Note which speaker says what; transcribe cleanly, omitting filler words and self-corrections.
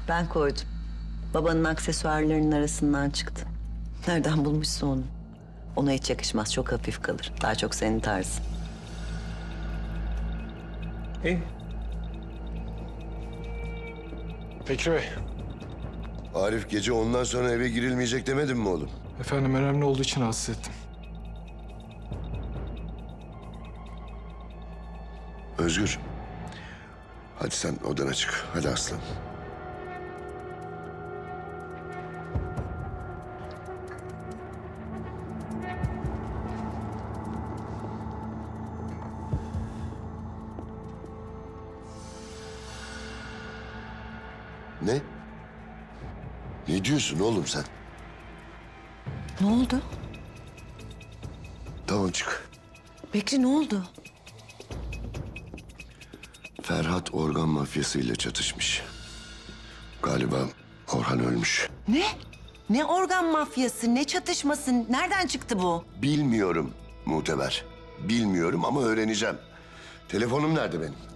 Speaker 1: Ben koydum. Babanın aksesuarlarının arasından çıktı. Nereden bulmuşsa onu? Ona hiç yakışmaz, çok hafif kalır. Daha çok senin tarzın.
Speaker 2: İyi. Bekri Bey.
Speaker 3: Arif gece ondan sonra eve girilmeyecek demedin mi oğlum?
Speaker 2: Efendim önemli olduğu için rahatsız ettim.
Speaker 3: Özgür. Hadi sen odana çık. Hadi aslan. Ne? Ne diyorsun oğlum sen?
Speaker 1: Ne oldu?
Speaker 3: Tamam çık.
Speaker 1: Bekri ne oldu?
Speaker 3: Ferhat organ mafyasıyla çatışmış. Galiba Orhan ölmüş.
Speaker 1: Ne? Ne organ mafyası, ne çatışması? Nereden çıktı bu?
Speaker 3: Bilmiyorum Muteber. Bilmiyorum ama öğreneceğim. Telefonum nerede benim?